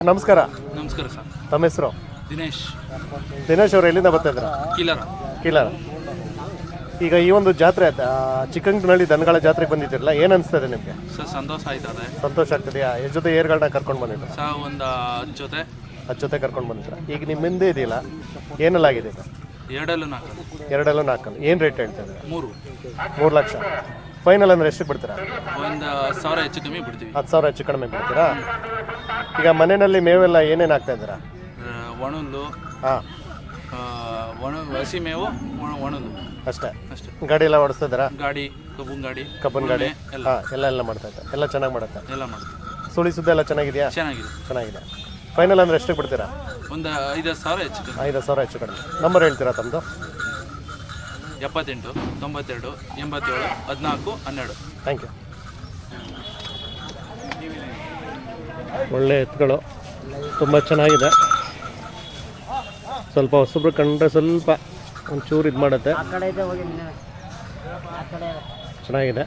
ನಮಸ್ಕಾರ. ನಮಸ್ಕಾರ ಸರ್. ತಮ್ಮ ಹೆಸರು? ದಿನೇಶ್. ದಿನೇಶ್ ಅವರು ಎಲ್ಲಿಂದ ಬರ್ತಾ ಇದ್ರ? ಕೀಲಾರ. ಈಗ ಈ ಒಂದು ಜಾತ್ರೆ ಚಿಕ್ಕಂಗ್ನಳ್ಳಿ ದನಗಳ ಜಾತ್ರೆಗೆ ಬಂದಿದ್ದೀರಲ್ಲ, ಏನು ಅನಿಸ್ತದೆ ನಿಮಗೆ? ಸರ್ ಸಂತೋಷ ಆಯ್ತದೆ. ಸಂತೋಷ ಆಗ್ತದೆಯಾ? ಎಷ್ಟು ಜೊತೆ ಏರ್ಗಳನ್ನ ಕರ್ಕೊಂಡು ಬಂದಿದ್ರ? ಸರ್ ಒಂದು 10 ಜೊತೆ. 10 ಜೊತೆ ಕರ್ಕೊಂಡು ಬಂದಿದ್ರ. ಈಗ ನಿಮ್ಮ ಹಿಂದೆ ಇದೆಯಲ್ಲ, ಏನೆಲ್ಲಾಗಿದೆ ಈಗ? ಎರಡಲ್ಲೂ 4 ಏನು ರೇಟ್ ಹೇಳ್ತಾ ಇದ್ದೀರಾ? 3 ಲಕ್ಷ. ಫೈನಲ್ ಅಂದರೆ ಎಷ್ಟಕ್ಕೆ ಬಿಡ್ತೀರಾ? ಒಂದು 1000 ಹೆಚ್ಚು ಕಮ್ಮಿ ಬಿಡ್ತೀವಿ. 10,000 ಹೆಚ್ಚು ಕಡಿಮೆ ಬಿಡ್ತೀರಾ? ಈಗ ಮನೆಯಲ್ಲಿ ಮೇವೆಲ್ಲ ಏನೇನು ಹಾಕ್ತಾ ಇದ್ದೀರಾ? ಒಣಲು, ಹಾಂ, ಹಸಿ ಮೇವು, ಒಣಲು ಅಷ್ಟೇ. ಗಾಡಿ ಎಲ್ಲ ಓಡಿಸ್ತಾ ಇದ್ದೀರಾ? ಗಾಡಿ, ಕಬ್ಬನ್ ಗಾಡಿ ಎಲ್ಲ ಮಾಡ್ತಾ ಇದ್ದಾರೆ. ಎಲ್ಲ ಚೆನ್ನಾಗಿ ಮಾಡುತ್ತೆ. ಎಲ್ಲ ಮಾಡ್ತೀವಿ. ಸುಳಿ ಸುದ್ದಿ ಎಲ್ಲ ಚೆನ್ನಾಗಿದೆಯಾ? ಚೆನ್ನಾಗಿದೆ. ಫೈನಲ್ ಅಂದರೆ ಎಷ್ಟಕ್ಕೆ ಬಿಡ್ತೀರಾ? ಒಂದು 5,000 ಹೆಚ್ಚು ಕಮ್ಮಿ. 5,000 ಹೆಚ್ಚು ಕಡಿಮೆ. ನಂಬರ್ ಹೇಳ್ತೀರಾ ತಮ್ಮದು? 78 92 87 14 12. Thank you. ಒಳ್ಳೆ ಎತ್ತುಗಳು, ತುಂಬ ಚೆನ್ನಾಗಿದೆ. ಸ್ವಲ್ಪ ಹೊಸಬ್ರು ಕಂಡ್ರೆ ಸ್ವಲ್ಪ ಒಂಚೂರು ಇದು ಮಾಡುತ್ತೆ. ಚೆನ್ನಾಗಿದೆ.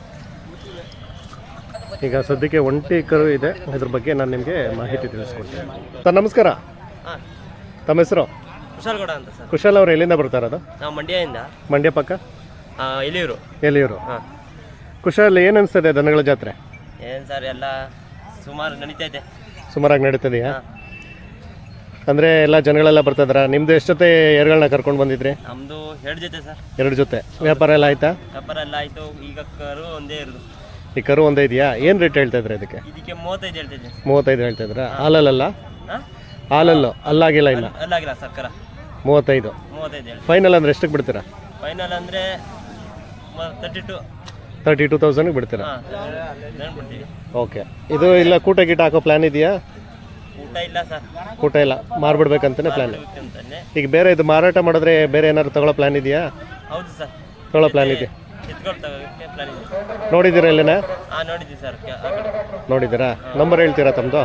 ಈಗ ಸದ್ಯಕ್ಕೆ ಒಂಟಿ ಕರು ಇದೆ, ಅದ್ರ ಬಗ್ಗೆ ನಾನು ನಿಮಗೆ ಮಾಹಿತಿ ತಿಳಿಸ್ಕೊಡ್ತೀನಿ. ಸರ್ ನಮಸ್ಕಾರ. ತಮ್ಮ ಹೆಸರು? ಕುಶಾಲ್ಗೌಡ ಅಂತ ಸರ್. ಕುಶಾಲ್ ಅವರು ಎಲ್ಲಿಂದ ಬರ್ತಾ ಇರೋದು? ನಾವು ಮಂಡ್ಯದಿಂದ. ಮಂಡ್ಯ ಪಕ್ಕ ಎಲಿಯೂರು. ಕುಶಾಲ್, ಏನು ಅನಿಸ್ತದೆ ದನಗಳ ಜಾತ್ರೆ? ಏನು ಸರ್, ಎಲ್ಲ ಸುಮಾರು ನಡೀತೈತೆ. ಸುಮಾರಾಗಿ ನಡೀತದೆಯಾ? ಅಂದರೆ ಎಲ್ಲ ಜನಗಳೆಲ್ಲ ಬರ್ತಿದಾರ? ನಿಮ್ದು ಎಷ್ಟು ಜೊತೆ ಏರ್ಗಳನ್ನ ಕರ್ಕೊಂಡು ಬಂದಿದ್ರಿ? ನಮ್ಮದು 2 ಜೊತೆ ಸರ್. 2 ಜೊತೆ. ವ್ಯಾಪಾರ ಎಲ್ಲ ಆಯ್ತಾ? ವ್ಯಾಪಾರ ಎಲ್ಲ ಆಯಿತು. ಈಗ ಕರು ಒಂದೇ ಇರೋದು. ಈ ಕರು ಒಂದೇ ಇದೆಯಾ? ಏನು ರೇಟ್ ಹೇಳ್ತಾ ಇದ್ರೆ ಇದಕ್ಕೆ? ಇದಕ್ಕೆ 35 ಹೇಳ್ತಿದ್ದೆ. 35 ಹೇಳ್ತಾ ಇದ್ರ? ಹಾಲಲ್ಲ? ಹಾಲಲ್ಲು ಅಲ್ಲಾಗಿಲ್ಲ ಇನ್ನು? ಅಲ್ಲಾಗಿಲ್ಲ ಸರ್. ಕರ 35 ಹೇಳಿ. ಫೈನಲ್ ಅಂದರೆ ಎಷ್ಟಕ್ಕೆ ಬಿಡ್ತೀರಾ? ಫೈನಲ್ ಅಂದರೆ 32,000 ಬಿಡ್ತೀರಾ? ಬಿಡ್ತೀವಿ. ಓಕೆ. ಇದು ಇಲ್ಲ ಕೂಟ ಗೀಟ ಹಾಕೋ ಪ್ಲ್ಯಾನ್ ಇದೆಯಾ? ಊಟ ಇಲ್ಲ ಸರ್. ಊಟ ಇಲ್ಲ, ಮಾರ್ಬಿಡ್ಬೇಕಂತಾನೆ ಪ್ಲ್ಯಾನ್. ಅಂತಾನೆ. ಈಗ ಬೇರೆ ಇದು ಮಾರಾಟ ಮಾಡಿದ್ರೆ ಬೇರೆ ಏನಾದ್ರು ತಗೊಳ್ಳೋ ಪ್ಲ್ಯಾನ್ ಇದೆಯಾ? ಹೌದು ಸರ್, ತಗೊಳ್ಳೋ ಪ್ಲ್ಯಾನ್ ಇದೆ. ಎತ್ಕೊಂಡು ತಗೋಕ್ಕೆ ಪ್ಲಾನ್ ಇದೆ. ನೋಡಿದ್ದೀರಾ ಇಲ್ಲಿನ? ನೋಡಿದ್ದೀವಿ ಸರ್. ನೋಡಿದ್ದೀರಾ? ನಂಬರ್ ಹೇಳ್ತೀರಾ ತಮ್ಮದು?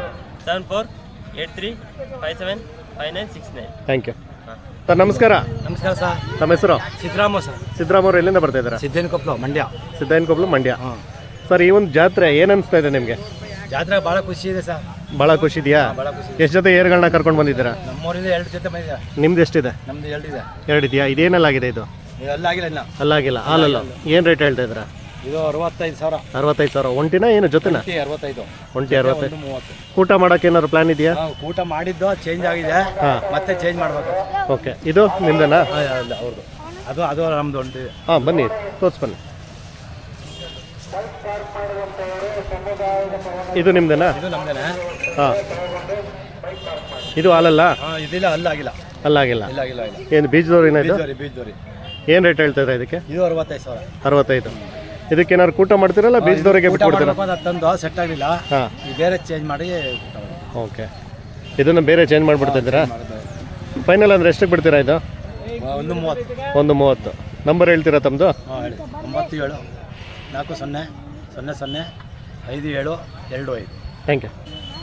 7483575969. Thank you sir. ನಮಸ್ಕಾರ. ನಮಸ್ಕಾರ ಸರ್. ನಮ್ಮ ಹೆಸರು? ಸಿದ್ದರಾಮ ಸರ್. ಸಿದ್ದರಾಮ ಅವರು ಎಲ್ಲಿಂದ ಬರ್ತಾ ಇದ್ದೀರಾ? ಸಿದ್ದೇನಕೊಪ್ಪಲು, ಮಂಡ್ಯ. ಸರ್, ಈ ಒಂದು ಜಾತ್ರೆ ಏನು ಅನಿಸ್ತಾ ಇದೆ ನಿಮಗೆ? ಜಾತ್ರೆ ಭಾಳ ಖುಷಿ ಇದೆ ಸರ್. ಭಾಳ ಖುಷಿ ಇದೆಯಾ? ಎಷ್ಟು ಜೊತೆ ಏರ್ಗಳನ್ನ ಕರ್ಕೊಂಡು ಬಂದಿದ್ದೀರಾ? ನಮ್ಮೂರಿಂದ 2 ಜೊತೆ ಬಂದಿದೆ. ನಿಮ್ದು ಎಷ್ಟಿದೆ? ನಮ್ದು 2 ಇದೆ. 2 ಇದೆಯಾ? ಇದೇನಲ್ಲಾಗಿದೆ ಇದು? ಅಲ್ಲಾಗಿಲ್ಲ ಇನ್ನು. ಅಲ್ಲಾಗಿಲ್ಲ. ಹಾಲಲ್ಲ. ಏನು ರೇಟ್ ಹೇಳ್ತಾ ಇದ್ದೀರಾ? ಇದು 65,000. 65,000. ಒಂಟಿನ ಏನು ಜೊತೆನಾ? 65. ಒಂಟಿ 65. ಊಟ ಮಾಡೋಕೆ ಏನಾದ್ರು ಪ್ಲಾನ್ ಇದೆಯಾ? ಊಟ ಮಾಡಿದ್ದು ಚೇಂಜ್ ಆಗಿದೆ, ಮತ್ತೆ ಚೇಂಜ್ ಮಾಡ್ಬೇಕು. ಓಕೆ. ಇದು ನಿಮ್ದನಾ? ಅವ್ರದ್ದು. ಅದು ನಮ್ದು ಒಂಟಿ. ಹಾಂ, ಬನ್ನಿ ತೋರಿಸ್ ಬನ್ನಿ. ಇದು ನಿಮ್ದೇನಾ? ಇದು ನಮ್ದೇನೆ. ಹಾಂ. ಇದು ಹಾಲಲ್ಲ? ಇದಿಲ್ಲ, ಅಲ್ಲಾಗಿಲ್ಲ. ಅಲ್ಲಾಗಿಲ್ಲ. ಇಲ್ಲ. ಏನು ಬೀಜದವ್ರಿನ ಇದು? ಬೀಜದೋರಿ. ಏನು ರೇಟ್ ಹೇಳ್ತಾ ಇದ್ದಾರೆ ಇದಕ್ಕೆ? ಇದು 65,000. 65. ಇದಕ್ಕೆ ಏನಾದ್ರು ಕೂಟ ಮಾಡ್ತೀರಲ್ಲ ಬೀಜದವರಿಗೆ ಬಿಟ್ಕೊಡ್ತೀರಾ? ತಂದು ಸೆಟ್ ಆಗಲಿಲ್ಲ. ಹಾಂ, ಬೇರೆ ಚೇಂಜ್ ಮಾಡಿ. ಓಕೆ. ಇದನ್ನು ಬೇರೆ ಚೇಂಜ್ ಮಾಡಿಬಿಡ್ತಾ ಇದ್ದೀರಾ? ಫೈನಲ್ ಅಂದರೆ ಎಷ್ಟಕ್ಕೆ ಬಿಡ್ತೀರಾ ಇದು? 130. ನಂಬರ್ ಹೇಳ್ತೀರಾ ತಮ್ಮದು? ಹೇಳಿ. 97 40 00 5725. Thank you.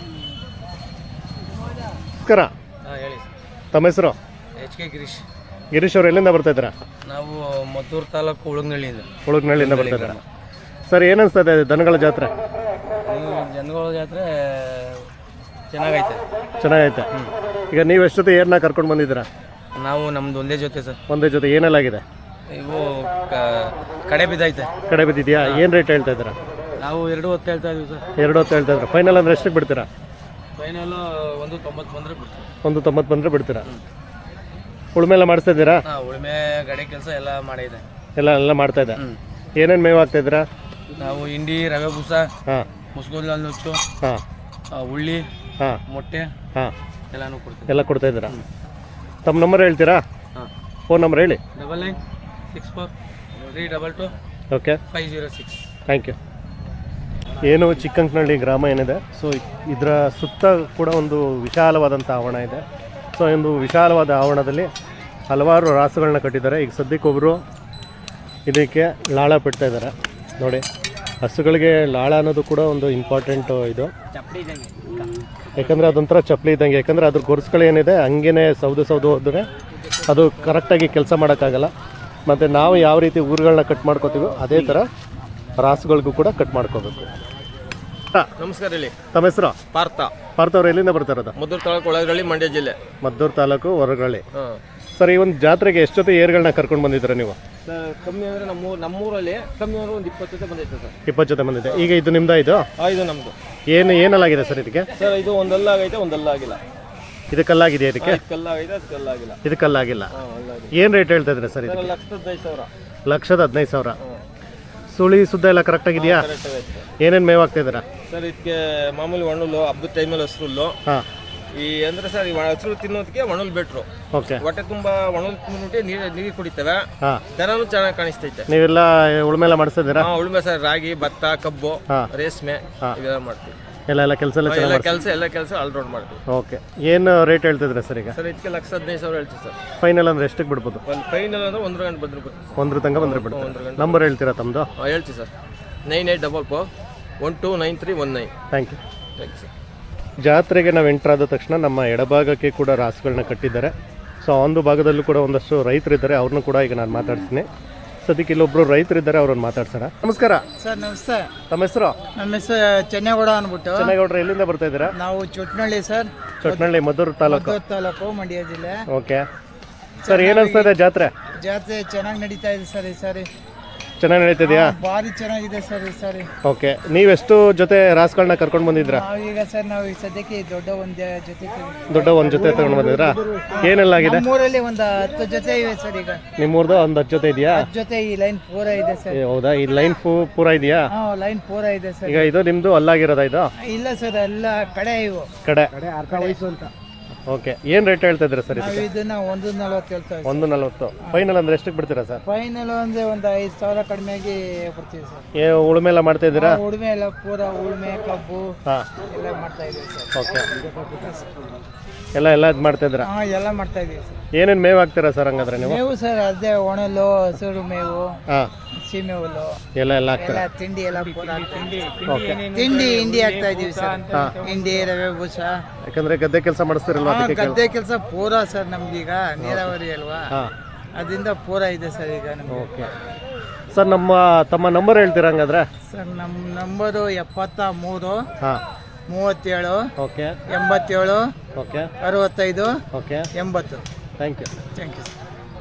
ನಮಸ್ಕಾರ. ಹೇಳಿ. ತಮ್ಮ ಹೆಸರು? HK ಗಿರೀಶ್ ಅವರು ಎಲ್ಲಿಂದ ಬರ್ತಾ ಇದ್ದೀರಾ? ನಾವು ಮದ್ದೂರು ತಾಲೂಕು ಉಳುಗ್ನಳ್ಳಿಯಿಂದ ಬರ್ತಾ ಇದ್ದೀರಾ? ಸರ್, ಏನು ಅನಿಸ್ತದೆ ದನಗಳ ಜಾತ್ರೆ? ಜನಗಳ ಜಾತ್ರೆ ಚೆನ್ನಾಗೈತೆ. ಈಗ ನೀವು ಎಷ್ಟು ಜೊತೆ ಏರ್ನ ಕರ್ಕೊಂಡು ಬಂದಿದ್ದೀರಾ? ನಾವು ನಮ್ದು ಒಂದೇ ಜೊತೆ ಸರ್. ಒಂದೇ ಜೊತೆ. ಏನೆಲ್ಲಾಗಿದೆ? ಇವು ಕಡೆ ಬಿದ್ದೈತೆ. ಕಡೆ ಬಿದ್ದಿದೆಯಾ? ಏನು ರೇಟ್ ಹೇಳ್ತಾ ಇದ್ದೀರಾ? ನಾವು 2 ಹೊತ್ತು ಹೇಳ್ತಾ ಇದೀವಿ ಸರ್. 2 ಹೊತ್ತು ಹೇಳ್ತಾ ಇದ್ದೀರಾ? ಫೈನಲ್ ಅಂದರೆ ಎಷ್ಟಕ್ಕೆ ಬಿಡ್ತೀರಾ? ಫೈನಲ್ 190 ಬಂದರೆ ಬಿಡ್ತೀವಿ. 190 ಬಂದರೆ ಬಿಡ್ತೀರಾ? ಉಳುಮೆ ಎಲ್ಲ ಮಾಡಿಸ್ತಾ ಇದ್ದೀರಾ? ಉಳುಮೆ ಗಾಡಿ ಕೆಲಸ ಎಲ್ಲ ಮಾಡಿದೆ. ಎಲ್ಲ ಮಾಡ್ತಾ ಇದೆ. ಏನೇನು ಮೇವು ಹಾಕ್ತಾ ಇದ್ದೀರಾ? ನಾವು ಹಿಂಡಿ, ರವೆ ಬೂಸ, ಮುಸ್ಗೋಲ್ ನುಚ್ಚು, ಉಳ್ಳಿ, ಮೊಟ್ಟೆ ಎಲ್ಲನೂ ಕೊಡ್ತೀವಿ. ಎಲ್ಲ ಕೊಡ್ತಾ ಇದ್ದೀರಾ? ತಮ್ಮ ನಂಬರ್ ಹೇಳ್ತೀರಾ? ಫೋನ್ ನಂಬರ್ ಹೇಳಿ. 99643222 ಓಕೆ 506. Thank you. ಏನು ಚಿಕ್ಕಂಕನಹಳ್ಳಿ ಗ್ರಾಮ ಏನಿದೆ, ಸೊ ಇದರ ಸುತ್ತ ಕೂಡ ಒಂದು ವಿಶಾಲವಾದಂಥ ಆವರಣ ಇದೆ. ಸೊ ಒಂದು ವಿಶಾಲವಾದ ಆವರಣದಲ್ಲಿ ಹಲವಾರು ರಾಸುಗಳನ್ನ ಕಟ್ಟಿದ್ದಾರೆ. ಈಗ ಸದ್ಯಕ್ಕೊಬ್ಬರು ಇದಕ್ಕೆ ಲಾಳ ಬಿಡ್ತಾ ಇದ್ದಾರೆ ನೋಡಿ. ಹಸುಗಳಿಗೆ ಲಾಳ ಅನ್ನೋದು ಕೂಡ ಒಂದು ಇಂಪಾರ್ಟೆಂಟು ಇದು, ಯಾಕಂದರೆ ಅದೊಂಥರ ಚಪ್ಪಲಿ ಇದ್ದಂಗೆ. ಯಾಕಂದರೆ ಅದ್ರ ಗೊರ್ಸ್ಗಳೇನಿದೆ ಹಂಗೇ ಸೌದು ಹೋದರೆ ಅದು ಕರೆಕ್ಟಾಗಿ ಕೆಲಸ ಮಾಡೋಕ್ಕಾಗಲ್ಲ. ಮತ್ತು ನಾವು ಯಾವ ರೀತಿ ಊರುಗಳನ್ನ ಕಟ್ ಮಾಡ್ಕೋತೀವೋ ಅದೇ ಥರ ರಾಸುಗಳಿಗೂ ಕೂಡ ಕಟ್ ಮಾಡ್ಕೋಬೇಕು. ನಮಸ್ಕಾರ ಹೇಳಿ. ತಮ್ಮ ಹೆಸರು? ಪಾರ್ಥ. ಪಾರ್ಥವ್ರು ಎಲ್ಲಿಂದ ಬರ್ತಾ ಇರೋದು? ಮದ್ದೂರು ತಾಲೂಕು ಒಳಗಳ್ಳಿ, ಮಂಡ್ಯ ಜಿಲ್ಲೆ. ಮದ್ದೂರು ತಾಲೂಕು ಹೊರಗಳ್ಳಿ. ಹಾಂ ಸರ್, ಈ ಒಂದು ಜಾತ್ರೆಗೆ ಎಷ್ಟು ಜೊತೆ ಏರ್ಗಳನ್ನ ಕರ್ಕೊಂಡು ಬಂದಿದ್ದೀರಾ ನೀವು? ಸರ್, ಕಮ್ಮಿ ಅಂದರೆ ನಮ್ಮೂರಲ್ಲಿ ಕಮ್ಮಿ ಅಂದರೆ ಒಂದು 20 ಜೊತೆ ಬಂದೈತೆ ಸರ್. 20 ಜೊತೆ ಬಂದಿದೆ. ಈಗ ಇದು ನಿಮ್ದಾ? ಇದು ಇದು ನಮ್ಮದು. ಏನಲ್ಲಾಗಿದೆ ಸರ್ ಇದಕ್ಕೆ? ಸರ್, ಇದು ಒಂದಲ್ಲ ಆಗೈತೆ, ಒಂದಲ್ಲ ಆಗಿಲ್ಲ. ಇದು ಕಲ್ಲಾಗಿದೆ ಇದಕ್ಕೆ? ಕಲ್ಲಾಗೈತೆ, ಅದು ಕಲ್ಲಾಗಿಲ್ಲ. ಇದು ಕಲ್ಲಾಗಿಲ್ಲ. ಹಾಂ, ಅಲ್ಲಾಗಿದೆ. ಏನು ರೇಟ್ ಹೇಳ್ತಾ ಇದ್ರೆ ಸರ್ ಇದಕ್ಕೆ? 1,15,000. 1,15,000. ಸುಳಿ ಸುದ್ದ ಎಲ್ಲ ಕರೆಕ್ಟಾಗಿದೆಯಾ? ಕರೆಕ್ಟ್ ಆಗೈತೆ. ಏನೇನು ಮೇವು ಹಾಕ್ತಾ ಇದ್ದೀರಾ? ಸರ್, ಇದಕ್ಕೆ ಮಾಮೂಲಿ ಒಣಲು, ಹಬ್ಬದ ಟೈಮಲ್ಲಿ ಹಸ್ರುಲ್ಲು. ಹಾಂ. ಈ ಅಂದರೆ ಸರ್, ಈ ಹಸ್ರು ತಿನ್ನೋದಕ್ಕೆ ಒಣಲು ಬೆಟ್ರು. ಓಕೆ. ಹೊಟ್ಟೆ ತುಂಬ ಒಣಲು ತಿಂದ್ಬಿಟ್ಟು ನೀರು ಕುಡಿತವೆ. ಹಾಂ. ದನನೂ ಚೆನ್ನಾಗಿ ಕಾಣಿಸ್ತೈತೆ. ನೀವೆಲ್ಲ ಉಳುಮೆ ಎಲ್ಲ ಮಾಡಿಸ್ತಾ ಇದ್ದೀರಾ? ಉಳುಮೆ ಸರ್, ರಾಗಿ, ಭತ್ತ, ಕಬ್ಬು, ಹಾಂ. ರೇಷ್ಮೆ ಇವೆಲ್ಲ ಮಾಡ್ತೀವಿ. ಎಲ್ಲ ಕೆಲಸ ಎಲ್ಲ ಚೆನ್ನಾಗಿ ಎಲ್ಲ ಕೆಲಸ ಆಲ್ರೌಂಡ್ ಮಾಡ್ತೀವಿ. ಓಕೆ. ಏನು ರೇಟ್ ಹೇಳ್ತಿದ್ರೆ ಸರ್ ಈಗ? ಸರ್, ಇದಕ್ಕೆ 1,15,000 ಹೇಳ್ತೀವಿ ಸರ್. ಫೈನಲ್ ಅಂದ್ರೆ ಎಷ್ಟಕ್ಕೆ ಬಿಡ್ಬೋದು? ಒಂದು ಫೈನಲ್ ಅಂದ್ರೆ 1 ಗಂಟೆ ಬಂದ್ರೆ ಬಿಡ್ತೀವಿ. 1 ತನಕ ಬಂದರೆ ಬಿಡ್ತಾರೆ. ನಂಬರ್ ಹೇಳ್ತೀರಾ ತಮ್ಮದು? ಹೇಳ್ತೀವಿ sir. 9844129319. Thank you. Thank you sir. ಜಾತ್ರೆಗೆ ನಾವು ಎಂಟ್ರ್ ಆದ ತಕ್ಷಣ ನಮ್ಮ ಎಡಭಾಗಕ್ಕೆ ಕೂಡ ರಾಸುಗಳನ್ನ ಕಟ್ಟಿದ್ದಾರೆ. ಸೊ ಆ ಒಂದು ಭಾಗದಲ್ಲೂ ಕೂಡ ಒಂದಷ್ಟು ರೈತರಿದ್ದಾರೆ, ಅವ್ರನ್ನೂ ಕೂಡ ಈಗ ನಾನು ಮಾತಾಡ್ತೀನಿ. ಸದ್ಯಕ್ಕೆ ಇಲ್ಲೊಬ್ರು ರೈತರಿದ್ದಾರೆ, ಅವ್ರನ್ನ ಮಾತಾಡ್ಸೋಣ. ನಮಸ್ಕಾರ ಸರ್. ನಮಸ್ತೆ. ತಮ್ಮ ಹೆಸರು? ನಮ್ಮ ಹೆಸರು ಚೆನ್ನೇಗೌಡ ಅಂದ್ಬಿಟ್ಟು. ಚೆನ್ನೇಗೌಡ್ರು ಎಲ್ಲಿಂದ ಬರ್ತಾ ಇದ್ದೀರಾ? ನಾವು ಚೊಟ್ನಳ್ಳಿ ಸರ್. ಚೊಟ್ನಳ್ಳಿ, ಮದ್ದೂರು ತಾಲೂಕು. ಮದ್ದೂರು ತಾಲೂಕು, ಮಂಡ್ಯ ಜಿಲ್ಲೆ. ಓಕೆ ಸರ್, ಏನು ಅನಿಸ್ತಾ ಇದೆ ಜಾತ್ರೆ? ಜಾತ್ರೆ ಚೆನ್ನಾಗಿ ನಡೀತಾ ಇದೆ ಸರ್. ಈ ಸಾರಿ ಚೆನ್ನಾಗಿ ನಡೀತಿದೆಯಾ? ಭಾರಿ ಚೆನ್ನಾಗಿದೆ ಸರ್ ಈ ಸಾರಿ. ಓಕೆ. ನೀವೆಷ್ಟು ಜೊತೆ ರಾಸುಗಳನ್ನ ಕರ್ಕೊಂಡು ಬಂದಿದ್ರಾ? ನಾವೀಗ ಸರ್, ನಾವು ಈಗ ಸದ್ಯಕ್ಕೆ ದೊಡ್ಡ ಒಂದು ಜೊತೆ ಒಂದು ಜೊತೆ ತಗೊಂಡು ಬಂದಿದ್ರಾ? ಏನೆಲ್ಲ ಆಗಿದೆ? ನಮ್ಮೂರಲ್ಲಿ ಒಂದು 10 ಜೊತೆ ಇವೆ ಸರ್. ಈಗ ನಿಮ್ಮೂರ್ದು ಒಂದು 10 ಜೊತೆ ಇದೆಯಾ? 10 ಜೊತೆ ಈ ಲೈನ್ ಪೂರ ಇದೆ ಸರ್. ಹೌದಾ? ಈ ಲೈನ್ ಪೂರ ಇದೆಯಾ? ಲೈನ್ ಪೂರ ಇದೆ ಸರ್. ಈಗ ಇದು ನಿಮ್ದು ಅಲ್ಲಾಗಿರೋದಾ ಇದು? ಇಲ್ಲ ಸರ್, ಎಲ್ಲ ಕಡೆ ಇವು ಕಡೆ ಅರ್ಧ ವಯಸ್ಸು ಅಂತ. ಓಕೆ. ಏನು ರೇಟ್ ಹೇಳ್ತಾ ಇದ್ದೀರಾ ಸರ್ ನಾವು ಇದಕ್ಕೆ? ಇದನ್ನ 1,40 ಹೇಳ್ತಾ ಇದ್ದೀವಿ. 1,40. ಫೈನಲ್ ಅಂದ್ರೆ ಎಷ್ಟಕ್ಕೆ ಬಿಡ್ತೀರಾ ಸರ್? ಫೈನಲ್ ಅಂದ್ರೆ ಒಂದು 5,000 ಕಡಿಮೆಯಾಗಿ ಕೊಡ್ತೀವಿ ಸರ್. ಉಳುಮೆ ಎಲ್ಲ ಮಾಡ್ತಾ ಇದ್ದೀರಾ? ಉಳುಮೆ ಎಲ್ಲ ಪೂರ ಉಳುಮೆ, ಕಬ್ಬು ಹಾಂ. ಎಲ್ಲ ಮಾಡ್ತಾ ಇದೀವಿ ಸರ್. ಓಕೆ. ಎಲ್ಲ ಇದು ಮಾಡ್ತಾ ಇದ್ದೀರಾ? ಎಲ್ಲ ಮಾಡ್ತಾ ಇದೀವಿ ಸರ್. ಏನೇನು ಮೇವು ಹಾಕ್ತೀರಾ ಸರ್ ಹಂಗಾದ್ರೆ ನೀವು? ಮೇವು ಸರ್, ಅದೇ ಒಣಲು, ಹಸಿರು ಮೇವು, ಹಾಂ, ಸೀಮೆ ಹುಲ್ಲು ಎಲ್ಲ ಎಲ್ಲ ಹಾಕ್ತೀರಾ? ತಿಂಡಿ ಎಲ್ಲ ಪೂರ ಹಿಂಡಿ ಹಾಕ್ತಾ ಇದೀವಿ ಸರ್. ಹಿಂಡಿ, ರವೆ ಬೂಸ. ಯಾಕಂದ್ರೆ ಗದ್ದೆ ಕೆಲಸ ಮಾಡಿಸ್ತಿರಲ್ವಾ ಅದಕ್ಕೆ? ಗದ್ದೆ ಕೆಲಸ ಪೂರ ಸರ್ ನಮ್ಗೀಗ ನೀರಾವರಿ ಅಲ್ವಾ, ಹಾಂ. ಅದರಿಂದ ಪೂರ ಇದೆ ಸರ್ ಈಗ ನಮ್ಗೆ. ಓಕೆ ಸರ್, ತಮ್ಮ ನಂಬರ್ ಹೇಳ್ತೀರಾ ಹಂಗಾದ್ರೆ? ಸರ್, ನಮ್ಮ ನಂಬರು 73 ಹಾಂ. 37 okay. 87 okay. 65 okay. 80. Thank you. Thank you sir.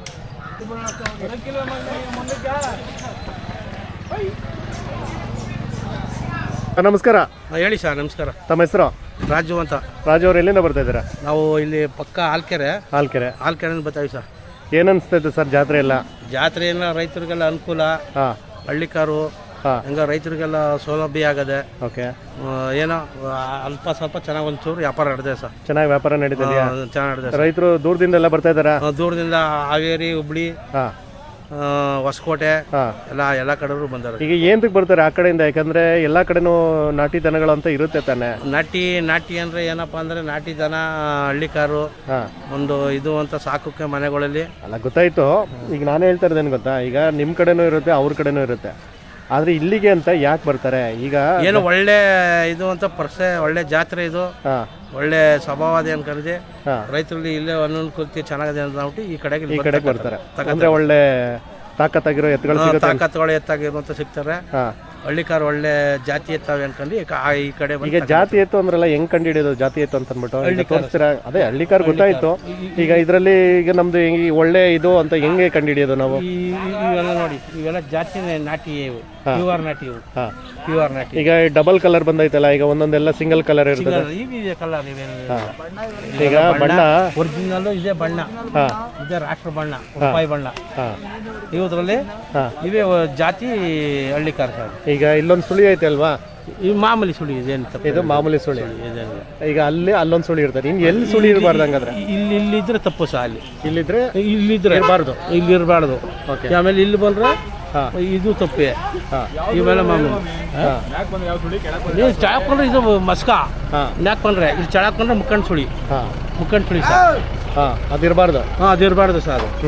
ನಮಸ್ಕಾರ. ಹೇಳಿ ಸರ್. ನಮಸ್ಕಾರ. ತಮ್ಮ ಹೆಸರು? ರಾಜು ಅಂತ. ರಾಜು ಅವ್ರು ಎಲ್ಲಿಂದ ಬರ್ತಾ ಇದ್ದೀರಾ? ನಾವು ಇಲ್ಲಿ ಪಕ್ಕ ಹಾಲ್ಕೆರೆ ಹಾಲ್ಕೆರೆ ಬರ್ತಾವಿ ಸರ್. ಏನು ಅನಿಸ್ತೈತೆ ಸರ್ ಜಾತ್ರೆ ಎಲ್ಲ? ಜಾತ್ರೆ ಎಲ್ಲ ರೈತರಿಗೆಲ್ಲ ಅನುಕೂಲ. ಹಾಂ. ಹಳ್ಳಿಕಾರು ಹಾಂ. ಹಂಗ ರೈತರಿಗೆಲ್ಲ ಸೌಲಭ್ಯ ಆಗದೆ. ಓಕೆ. ಏನೋ ಅಲ್ಪ ಸ್ವಲ್ಪ ಚೆನ್ನಾಗಿ ಒಂಚೂರು ವ್ಯಾಪಾರ ನಡೆದಿದೆ ಸರ್. ಚೆನ್ನಾಗಿ ವ್ಯಾಪಾರ ನಡೀತಿದೆಯಾ? ಚೆನ್ನಾಗಿ ನಡೆದಿದೆ. ರೈತರು ದೂರದಿಂದ ಎಲ್ಲ ಬರ್ತಾ ಇದ್ದಾರಾ? ದೂರದಿಂದ ಹಾವೇರಿ, ಹುಬ್ಳಿ, ಹಾಂ, ಹೊಸಕೋಟೆ ಹಾಂ, ಎಲ್ಲ ಕಡೆಯವರು ಬಂದಾರೆ. ಈಗ ಏನಕ್ಕೆ ಬರ್ತಾರೆ ಆ ಕಡೆಯಿಂದ? ಯಾಕಂದ್ರೆ ಎಲ್ಲ ಕಡೆನೂ ನಾಟಿ ದನಗಳು ಅಂತ ಇರುತ್ತೆ ತಾನೆ? ನಾಟಿ ಅಂದ್ರೆ ಏನಪ್ಪಾ ಅಂದ್ರೆ ನಾಟಿ ದನ, ಹಳ್ಳಿಕಾರು, ಹಾಂ, ಒಂದು ಇದು ಅಂತ ಸಾಕೋಕೆ ಮನೆಗಳಲ್ಲಿ. ಅಲ್ಲ, ಗೊತ್ತಾಯ್ತು. ಈಗ ನಾನು ಹೇಳ್ತಾ ಇರೋದೇನು ಗೊತ್ತಾ, ಈಗ ನಿಮ್ಮ ಕಡೆನೂ ಇರುತ್ತೆ, ಅವ್ರ ಕಡೆನೂ ಇರುತ್ತೆ. ಆದರೆ ಇಲ್ಲಿಗೆ ಅಂತ ಯಾಕೆ ಬರ್ತಾರೆ? ಈಗ ಏನು ಒಳ್ಳೆ ಇದು ಅಂತ ಒಳ್ಳೆ ಜಾತ್ರೆ ಇದು. ಹಾಂ, ಒಳ್ಳೆ ಸ್ವಭಾವದೆ ಅನ್ಕೊಂಡಿದೆ. ಹಾಂ, ರೈತರಲ್ಲಿ ಇಲ್ಲೇ ಅನುಕೂಲತೆ ಚೆನ್ನಾಗಿದೆ ಅಂತ ಅಂದ್ಬಿಟ್ಟು ಈ ಕಡೆಗೆ ಬರ್ತಾರೆ. ಅಂದ್ರೆ ಒಳ್ಳೆ ತಾಕತ್ತಾಗಿರೋ ಎತ್ತುಗಳು ಸಿಗುತ್ತೆ. ತಾಕತ್ತುಗಳು ಎತ್ತಾಗಿರುವಂತ ಸಿಗ್ತಾರೆ. ಹಾಂ. ಹಳ್ಳಿಕಾರು ಒಳ್ಳೆ ಜಾತಿ ಎತ್ತವೆ ಅನ್ಕೊಂಡು ಈ ಕಡೆ ಈಗ ಜಾತಿ ಎತ್ತು ಅಂದ್ರಲ್ಲ, ಹೆಂಗ್ ಕಂಡು ಹಿಡಿಯೋದು ಜಾತಿ ಎತ್ತು ಅಂತ ಅಂದ್ಬಿಟ್ಟು? ಈಗ ತೋರಿಸ್ತೀರಾ? ಅದೇ ಹಳ್ಳಿಕಾರ್ ಗೊತ್ತಾಯ್ತು. ಈಗ ಇದರಲ್ಲಿ ಈಗ ನಮ್ದು ಈ ಒಳ್ಳೆ ಇದು ಅಂತ ಹೆಂಗೆ ಕಂಡು ಹಿಡಿಯೋದು ನಾವು? ಇವೆಲ್ಲ ನೋಡಿ, ಇವೆಲ್ಲ ಜಾತಿ ನಾಟಿ ಇವು, ಪ್ಯೂರ್ ನಾಟಿ ಇವು. ಹಾಂ, ಪ್ಯೂರ್ ನಾಟಿ. ಈಗ ಡಬಲ್ ಕಲರ್ ಬಂದೈತಲ್ಲ, ಈಗ ಒಂದೊಂದೆಲ್ಲ ಸಿಂಗಲ್ ಕಲರ್ ಇರ್ತದೆ. ಇವೆ ಕಲರ್ ಇವೆಲ್ಲ. ಈಗ ಬಣ್ಣ ಒರಿಜಿನಲ್ ಇದೆ ಬಣ್ಣ. ಹಾಂ, ಇದೆ ರಾಷ್ಟ್ರ ಬಣ್ಣ, ರೂಪಾಯಿ ಬಣ್ಣ. ಹಾಂ, ಇವುದ್ರಲ್ಲಿ ಇವೇ ಜಾತಿ ಹಳ್ಳಿಕಾರ್ ಸರ್. ಈಗ ಇಲ್ಲೊಂದು ಸುಳಿ ಐತೆ ಅಲ್ವಾ? ಈ ಮಾಮೂಲಿ ಸುಳಿ ಇದೆ ಅಂತ. ಇದು ಮಾಮೂಲಿ ಸುಳಿ. ಈಗ ಅಲ್ಲೊಂದು ಸುಳಿ ಇರ್ತಾರೆ. ಇನ್ನು ಎಲ್ಲಿ ಸುಳಿ ಇರಬಾರ್ದು ಹಂಗಾದ್ರೆ? ಇಲ್ಲಿದ್ರೆ ತಪ್ಪು ಸಹ. ಇಲ್ಲಿದ್ರೆ ಇರಬಾರ್ದು. ಇಲ್ಲಿ ಇರಬಾರ್ದು. ಓಕೆ. ಆಮೇಲೆ ಇಲ್ಲಿ ಬಂದ್ರೆ ಇದು ತಪ್ಪೆ. ಇವೆಲ್ಲ ಮಾಮೂಲಿ. ನೀವು ಚಳಾಕೊಂಡ್ರೆ ಇದು ಮಸ್ಕ. ನಾಕೊಂಡ್ರೆ ಇಲ್ಲಿ ಚಳಾಕೊಂಡ್ರೆ ಮುಕ್ಕಂಡು ಸುಳಿ. ಮುಕ್ಕಂಡು ಸುಳಿ ಸರ್. ಅದಿರಬಾರ್ದು. ಅದಿರಬಾರ್ದು ಸರ್ ಅದು.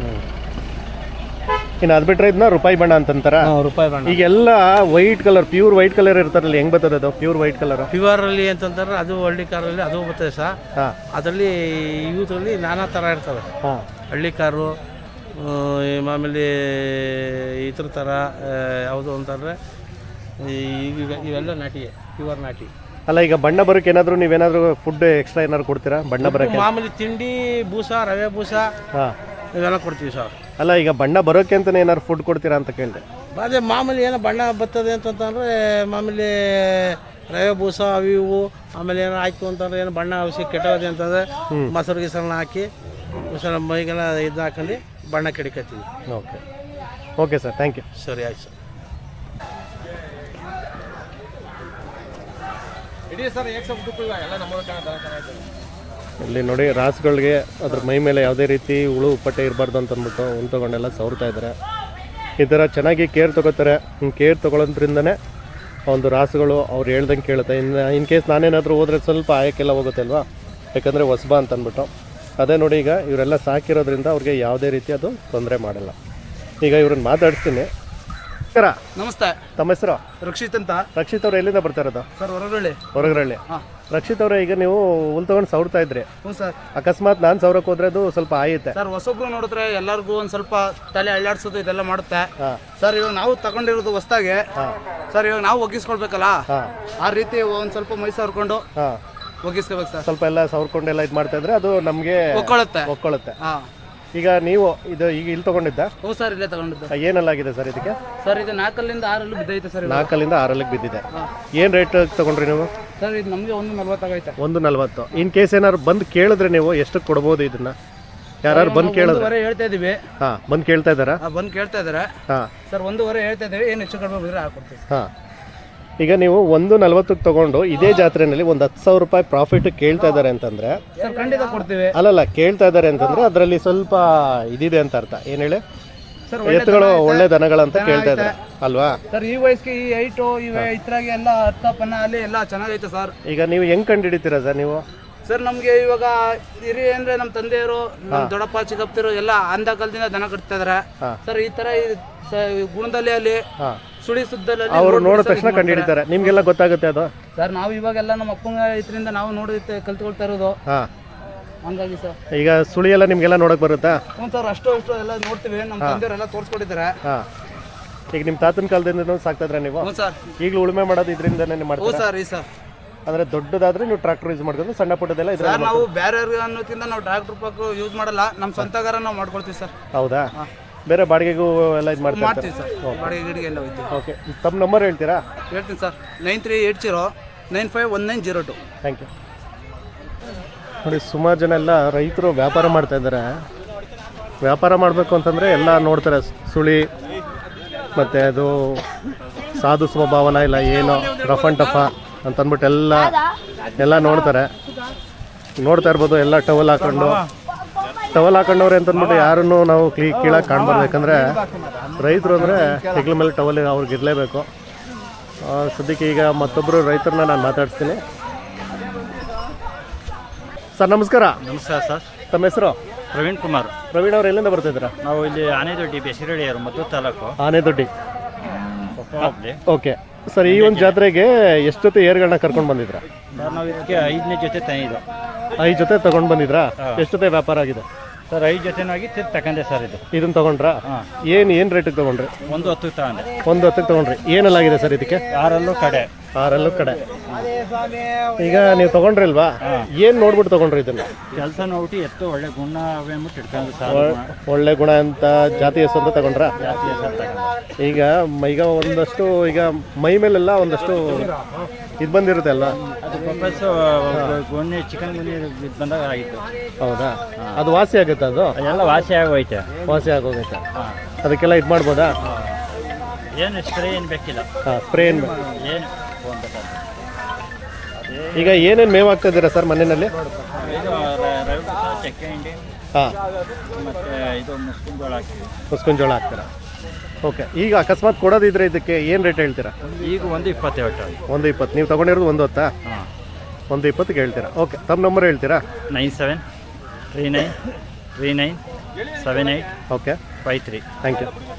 ಇನ್ನು ಅದು ಬಿಟ್ರೆ ಇದನ್ನ ರೂಪಾಯಿ ಬಣ್ಣ ಅಂತಂತಾರ? ರೂಪಾಯಿ ಬಣ್ಣ. ಈಗೆಲ್ಲ white colour, pure white colour ಇರ್ತಾರಲ್ಲ, ಹೆಂಗ್ ಬರ್ತದೆ ಅದು ಪ್ಯೂರ್ ವೈಟ್ ಕಲರ್? ಪ್ಯೂರ್ ಅಲ್ಲಿ ಅಂತಂದ್ರೆ ಅದು ಹಳ್ಳಿಕಾರಲ್ಲಿ ಅದು ಬರ್ತದೆ ಸರ್. ಅದರಲ್ಲಿ ಇವುದ್ರಲ್ಲಿ ನಾನಾ ಥರ ಇರ್ತವೆ. ಹಳ್ಳಿಕಾರು, ಮಾಮೂಲಿ ಇದ್ರ ಥರ ಯಾವುದು ಅಂತಂದರೆ ಇವೆಲ್ಲ ನಾಟಿ, ಪ್ಯೂರ್ ನಾಟಿ. ಅಲ್ಲ, ಈಗ ಬಣ್ಣ ಬರೋಕೆ ಏನಾದರೂ ನೀವೇನಾದರೂ ಫುಡ್ ಎಕ್ಸ್ಟ್ರಾ ಏನಾದ್ರು ಕೊಡ್ತೀರಾ ಬಣ್ಣ ಬರೋಕ್ಕೆ? ಮಾಮೂಲಿ ತಿಂಡಿ, ಬೂಸ, ರವೆ ಬೂಸ ಹಾಂ, ಇವೆಲ್ಲ ಕೊಡ್ತೀವಿ ಸರ್. ಅಲ್ಲ, ಈಗ ಬಣ್ಣ ಬರೋಕೆ ಅಂತಲೇ ಏನಾದ್ರು ಫುಡ್ ಕೊಡ್ತೀರಾ ಅಂತ ಕೇಳಿದೆ. ಅದೇ ಮಾಮೂಲಿ ಏನೋ ಬಣ್ಣ ಬರ್ತದೆ ಅಂತಂತಂದರೆ ಮಾಮೂಲಿ ರವೆ ಬೂಸ ಅವು ಇವು, ಆಮೇಲೆ ಏನೋ ಆಯ್ತು ಅಂತಂದ್ರೆ ಏನು ಬಣ್ಣ ಔಷಧಿ ಕೆಟ್ಟೋದೆ ಅಂತಂದರೆ ಮೊಸರು ಗಿಸರನ್ನ ಹಾಕಿ ಮೊಸರು ಮೈಗೆಲ್ಲ ಇದು ಹಾಕೊಂಡು ಬಣ್ಣ ಕೆಡಿಕತ್ತೀವಿ. Okay okay sir, thank you. ಸರಿ, ಆಯ್ತು ಸರ್. ಇಡೀ ಸರ್ ಏಕ್ ಸಬ್ ದುಕ್ಕು ಎಲ್ಲ ನಮ್ಮ ಚೆನ್ನಾಗಿದೆ. ಇಲ್ಲಿ ನೋಡಿ, ರಾಸುಗಳಿಗೆ ಅದ್ರ ಮೈ ಮೇಲೆ ಯಾವುದೇ ರೀತಿ ಹುಳು ಉಪ್ಪಟ್ಟೆ ಇರಬಾರ್ದು ಅಂತ ಅಂದ್ಬಿಟ್ಟು ಹುಲ್ ತೊಗೊಂಡೆಲ್ಲ ಸವರ್ತಾ ಇದ್ದಾರೆ. ಈ ಥರ ಚೆನ್ನಾಗಿ ಕೇರ್ ತೊಗೋತಾರೆ. ಕೇರ್ ತೊಗೊಳೋದ್ರಿಂದನೇ ಒಂದು ರಾಸುಗಳು ಅವ್ರು ಹೇಳ್ದಂಗೆ ಕೇಳುತ್ತೆ. ಇನ್ ಕೇಸ್ ನಾನೇನಾದರೂ ಹೋದರೆ ಸ್ವಲ್ಪ ಆಯಕ್ಕೆಲ್ಲ ಹೋಗುತ್ತೆ ಅಲ್ವಾ, ಯಾಕಂದರೆ ಹೊಸಬ ಅಂತ ಅಂದ್ಬಿಟ್ಟು. ಅದೇ ನೋಡಿ, ಈಗ ಇವರೆಲ್ಲ ಸಾಕಿರೋದ್ರಿಂದ ಅವ್ರಿಗೆ ಯಾವುದೇ ರೀತಿ ಅದು ತೊಂದರೆ ಮಾಡಲ್ಲ. ಈಗ ಇವ್ರನ್ನ ಮಾತಾಡ್ತೀನಿ. ನಮಸ್ತೆ. ತಮ್ಮ ಹೆಸರು? ರಕ್ಷಿತ್ ಅಂತ. ರಕ್ಷಿತ್ ಅವ್ರು ಎಲ್ಲಿಂದ ಬರ್ತಾ ಇರೋದು? ಸರ್ ಹೊರಗಳ್ಳಿ. ಹೊರಗರಳ್ಳಿ. ರಕ್ಷಿತ್ ಅವರೇ, ಈಗ ನೀವು ಹುಲ್ ತೊಗೊಂಡು ಸವರ್ತಾ ಇದ್ರಿ. ಹ್ಞೂ ಸರ್. ಅಕಸ್ಮಾತ್ ನಾನು ಸವರಕ್ಕೆ ಹೋದ್ರೆ ಅದು ಸ್ವಲ್ಪ ಆಯುತ್ತೆ ಸರ್, ಹೊಸೊಬ್ರು ನೋಡಿದ್ರೆ ಎಲ್ಲರಿಗೂ ಒಂದು ಸ್ವಲ್ಪ ತಲೆ ಅಳ್ಳಾಡ್ಸೋದು ಇದೆಲ್ಲ ಮಾಡುತ್ತೆ. ಹಾಂ ಸರ್, ಇವಾಗ ನಾವು ತಗೊಂಡಿರೋದು ಹೊಸ್ದಾಗೆ. ಹಾಂ ಸರ್, ಇವಾಗ ನಾವು ಒಗ್ಗಿಸ್ಕೊಳ್ಬೇಕಲ್ಲ, ಹಾಂ ಆ ರೀತಿ ಒಂದು ಸ್ವಲ್ಪ ಮೈ ಸವರ್ಕೊಂಡು ಹಾಂ ಒಗ್ಗಿಸ್ಕೋಬೇಕು ಸರ್. ಸ್ವಲ್ಪ ಎಲ್ಲ ಸವರ್ಕೊಂಡೆಲ್ಲ ಇದು ಮಾಡ್ತಾ ಇದ್ರೆ ಅದು ನಮಗೆ ಒಕ್ಕೊಳ್ಳುತ್ತೆ. ಹಾಂ. ಈಗ ನೀವು ಇದು ಈಗ ಇಲ್ಲಿ ತಗೊಂಡಿದ್ದ? ಹ್ಞೂ ಸರ್, ಇಲ್ಲೇ ತಗೊಂಡಿದ್ದು. ಏನಲ್ಲಾಗಿದೆ ಸರ್ ಇದಕ್ಕೆ? ಸರ್, ಇದು 4ರಿಂದ 6 ಬಿದ್ದೈತೆ ಸರ್. 4ರಿಂದ 6 ಬಿದ್ದಿದೆ. ಏನು ರೇಟ್ ತಗೊಂಡ್ರಿ ನೀವು? ಸರ್, ಇದು ನಮಗೆ 140 ಆಗೈತೆ. 140. ಇನ್ ಕೇಸ್ ಏನಾದ್ರು ಬಂದು ಕೇಳಿದ್ರೆ ನೀವು ಎಷ್ಟು ಕೊಡ್ಬೋದು ಇದನ್ನ? ಯಾರು ಬಂದು ಕೇಳಿದ್ರೆ? 1.5 ಹೇಳ್ತಾ ಇದೀವಿ. ಹಾಂ, ಬಂದು ಕೇಳ್ತಾ ಇದ್ದಾರಾ? ಬಂದು ಕೇಳ್ತಾ ಇದ್ದಾರೆ. ಹಾಂ ಸರ್, 1.5 ಹೇಳ್ತಾ ಇದ್ದೀವಿ. ಏನು ಹೆಚ್ಚು ಕಡಿಮೆ ಬಿದ್ದರೆ ಹಾಕೊಡ್ತೀವಿ. ಹಾಂ. ಈಗ ನೀವು 140ಕ್ಕೆ ತಗೊಂಡು ಇದೇ ಜಾತ್ರೆಯಲ್ಲಿ ಒಂದು 10,000 ರೂಪಾಯಿ ಪ್ರಾಫಿಟ್ ಕೇಳ್ತಾ ಇದ್ದಾರೆ ಅಂತಂದ್ರೆ ಸರ್, ಖಂಡಿತ ಕೊಡ್ತೀವಿ. ಅಲ್ಲಲ್ಲ, ಕೇಳ್ತಾ ಇದ್ದಾರೆ ಅಂತಂದ್ರೆ ಅದರಲ್ಲಿ ಸ್ವಲ್ಪ ಇದಿದೆ ಅಂತ ಅರ್ಥ. ಏನು ಹೇಳಿ? ಸರ್, ಎತ್ತುಗಳು ಒಳ್ಳೆ ದನಗಳಂತ ಕೇಳ್ತಾ ಇದ್ದಾರೆ ಅಲ್ವಾ? ಸರ್, ಈ ವಯಸ್ಸಿಗೆ ಈ ಹೈಟು ಇದ್ರಾಗೆ ಎಲ್ಲ ಅರ್ಥಪನ್ನ ಅಲ್ಲಿ ಎಲ್ಲ ಚೆನ್ನಾಗೈತೆ ಸರ್. ಈಗ ನೀವು ಹೆಂಗ್ ಕಂಡು ಹಿಡಿತೀರಾ ಸರ್ ನೀವು? ಸರ್, ನಮಗೆ ಇವಾಗ ಹಿರಿ ಅಂದ್ರೆ ನಮ್ಮ ತಂದೆಯವರು, ನಮ್ಮ ದೊಡ್ಡಪ್ಪ ಚಿಕ್ಕಪ್ಪರು ಎಲ್ಲ ಅಂದ ಕಾಲದಿಂದ ದನ ಕಟ್ತಾ ಇದಾರೆ ಸರ್. ಈ ತರ ಗುಣದಲ್ಲಿ ಅಲ್ಲಿ ಸುಳಿ ಸುದ್ದಲ್ಲಿ ಅವರು ನೋಡಿದ ತಕ್ಷಣ ಕಂಡು ಹಿಡಿತಾರೆ. ನಿಮ್ಗೆಲ್ಲ ಗೊತ್ತಾಗುತ್ತೆ ಅದು? ಸರ್, ನಾವು ಇವಾಗೆಲ್ಲ ನಮ್ಮ ಅಪ್ಪನ ಇದರಿಂದ ನಾವು ನೋಡಿ ಕಲ್ತ್ಕೊಳ್ತಾ ಇರೋದು. ಹಂಗಾಗಿ ಸರ್, ಈಗ ಸುಳಿ ಎಲ್ಲ ನಿಮ್ಗೆಲ್ಲ ನೋಡಕ್ ಬರುತ್ತಾ? ಹ್ಞೂ ಸರ್, ಅಷ್ಟು ಎಲ್ಲ ನೋಡ್ತೀವಿ. ನಮ್ಮ ತಂದೆಯವರೆಲ್ಲ ತೋರಿಸ್ಕೊಟ್ಟಿದ್ದಾರೆ. ಈಗ ನಿಮ್ಮ ತಾತನ ಕಾಲದಿಂದ ಸಾಕ್ತಾ ಇದ್ರೆ ನೀವು? ಹ್ಞೂ ಸರ್. ಈಗಲೂ ಉಳುಮೆ ಮಾಡೋದು ಇದರಿಂದನೇ ಹ್ಞೂ ಮಾಡ್ತೀರಾ? ಸರ್. ಈ ಸರ್, ಅಂದ್ರೆ ದೊಡ್ಡದಾದ್ರೆ ನೀವು ಟ್ರಾಕ್ಟರ್ ಯೂಸ್ ಮಾಡ್ಕೊಂಡು, ಸಣ್ಣ ಪುಟ್ಟದೆಲ್ಲ ಇದ್ರೆ ಸರ್ ನಾವು ಬೇರೆ ಅನ್ನೋಕ್ಕಿಂತ ನಾವು ಟ್ರಾಕ್ಟರ್ ಪಾಕ್ ಯೂಸ್ ಮಾಡಲ್ಲ. ನಮ್ಮ ಸ್ವಂತಗಾರ ನಾವು ಮಾಡ್ಕೊಳ್ತೀವಿ ಸರ್. ಹೌದಾ? ಬೇರೆ ಬಾಡಿಗೆಗೂ ಎಲ್ಲ ಇದು ಮಾಡ್ತೀವಿ ಸರ್. ಬಾಡಿಗೆ ಗಿಡಿಗೆ ಎಲ್ಲ ಹೋಗ್ತೀವಿ. ಓಕೆ, ತಮ್ಮ ನಂಬರ್ ಹೇಳ್ತೀರಾ? ಹೇಳ್ತೀನಿ ಸರ್. 9380951902. Thank you. ನೋಡಿ, ಸುಮಾರು ಜನ ಎಲ್ಲ ರೈತರು ವ್ಯಾಪಾರ ಮಾಡ್ತಾ ಇದ್ದಾರೆ. ವ್ಯಾಪಾರ ಮಾಡಬೇಕು ಅಂತಂದರೆ ಎಲ್ಲ ನೋಡ್ತಾರೆ, ಸುಳಿ ಮತ್ತು ಅದು ಸಾಧು ಸ್ವಭಾವನ ಇಲ್ಲ ಏನು ರಫ್ ಆ್ಯಂಡ್ ಟಫ ಅಂತಂದ್ಬಿಟ್ಟು ಎಲ್ಲ ನೋಡ್ತಾರೆ. ನೋಡ್ತಾ ಇರ್ಬೋದು, ಎಲ್ಲ ಟವಲ್ ಹಾಕೊಂಡವ್ರೆ ಅಂತಂದ್ಬಿಟ್ಟು ಯಾರನ್ನು ನಾವು ಕೀಳಾಗಿ ಕಾಣ್ಬಾರ್ದು. ಯಾಕಂದರೆ ರೈತರು ಅಂದರೆ ಹೆಗ್ಲ ಮೇಲೆ ಟವಲ್ ಅವ್ರಿಗೆ ಇರಲೇಬೇಕು. ಸದ್ಯಕ್ಕೆ ಈಗ ಮತ್ತೊಬ್ಬರು ರೈತರನ್ನ ನಾನು ಮಾತಾಡ್ತೀನಿ. ಸರ್, ನಮಸ್ಕಾರ. ನಮಸ್ಕಾರ ಸರ್. ತಮ್ಮ ಹೆಸರು? ಪ್ರವೀಣ್ ಕುಮಾರ್. ಪ್ರವೀಣ್ ಅವ್ರು ಎಲ್ಲಿಂದ ಬರ್ತಿದ್ದೀರಾ? ನಾವು ಇಲ್ಲಿ ಆನೆದೊಡ್ಡಿ ಬೆಸರಳ್ಳಿಯವರು, ಮದ್ದೂರು ತಾಲೂಕು. ಆನೆದೊಡ್ಡಿ. ಓಕೆ ಸರ್, ಈ ಒಂದು ಜಾತ್ರೆಗೆ ಎಷ್ಟು ಜೊತೆ ಏರ್ಗಳನ್ನ ಕರ್ಕೊಂಡು ಬಂದಿದ್ರಾ? ನಾವು ಇದಕ್ಕೆ 5ನೇ ಜೊತೆ ತಂದಿದ್ದು. 5 ಜೊತೆ ತಗೊಂಡು ಬಂದಿದ್ರಾ? ಎಷ್ಟು ಜೊತೆ ವ್ಯಾಪಾರ ಆಗಿದೆ ಸರ್? 5 ಜೊತೆನಾಗಿ ತಗೊಂಡೆ ಸರ್. ಇದನ್ನು ತಗೊಂಡ್ರಾ? ಏನು ರೇಟಿಗೆ ತಗೊಂಡ್ರಿ? 110 ತಗೊಂಡೆ. 110ಕ್ಕೆ ತಗೊಂಡ್ರಿ. ಏನಲ್ಲಾಗಿದೆ ಸರ್ ಇದಕ್ಕೆ? 6 ಕಡೆ. ಈಗ ನೀವು ತಗೊಂಡ್ರಿಲ್ವಾ? ಏನು ನೋಡ್ಬಿಟ್ಟು ತಗೊಂಡ್ರಿ ಇದನ್ನ? ಕೆಲಸ ನೋಡ್ಬಿಟ್ಟು ಎತ್ತು ಒಳ್ಳೆ ಗುಣ ಅವೇ ಅಂದ್ಬಿಟ್ಟು ಇಟ್ಕೊಂಡು ಸರ್. ಒಳ್ಳೆ ಗುಣ ಅಂತ ಜಾತಿ ಹೆಸರು ಅಂತ ತಗೊಂಡ್ರ? ಜಾತಿ ಹೆಸರು ತಗೊಂಡು. ಈಗ ಒಂದಷ್ಟು ಈಗ ಮೈ ಮೇಲೆಲ್ಲ ಒಂದಷ್ಟು ಇದು ಬಂದಿರುತ್ತೆ ಅಲ್ಲ, ಅದು ಪರ್ಪಸ್ಸು ಗೊನ್ನೆ ಚಿಕನ್ ಗುನ್ನೆ ಬಂದಾಗ ಆಗಿತ್ತು. ಹೌದಾ? ಅದು ವಾಸಿ ಆಗುತ್ತೆ? ಅದು ಅದೆಲ್ಲ ವಾಸಿ ಆಗೋಯ್ತೆ. ವಾಸಿ ಆಗೋಗೈತೆ. ಅದಕ್ಕೆಲ್ಲ ಇದು ಮಾಡ್ಬೋದಾ? ಏನು ಸ್ಪ್ರೇ ಏನು ಬೇಕಿಲ್ಲ. ಸ್ಪ್ರೇ ಏನು ಏನು ಈಗ ಏನೇನು ಮೇವು ಹಾಕ್ತಿದ್ದೀರಾ ಸರ್ ಮನೆಯಲ್ಲಿ? ಇದು ರವೆ ಬೂಸ, ಚಕ್ಕೆ ಹಿಂಡಿ, ಮತ್ತು ಇದು ಮುಸ್ಕಿನ ಜೋಳ ಹಾಕ್ತೀರಾ? ಓಕೆ. ಈಗ ಅಕಸ್ಮಾತ್ ಕೊಡೋದಿದ್ರೆ ಇದಕ್ಕೆ ಏನು ರೇಟ್ ಹೇಳ್ತೀರಾ? ಈಗ 120 ಹೇಳ್ತಾ. 120. ನೀವು ತಗೊಂಡಿರೋದು 110? 120ಕ್ಕೆ ಹೇಳ್ತೀರಾ? ಓಕೆ. ತಮ್ಮ ನಂಬರ್ ಹೇಳ್ತೀರಾ? 9739397853. Okay, thank you.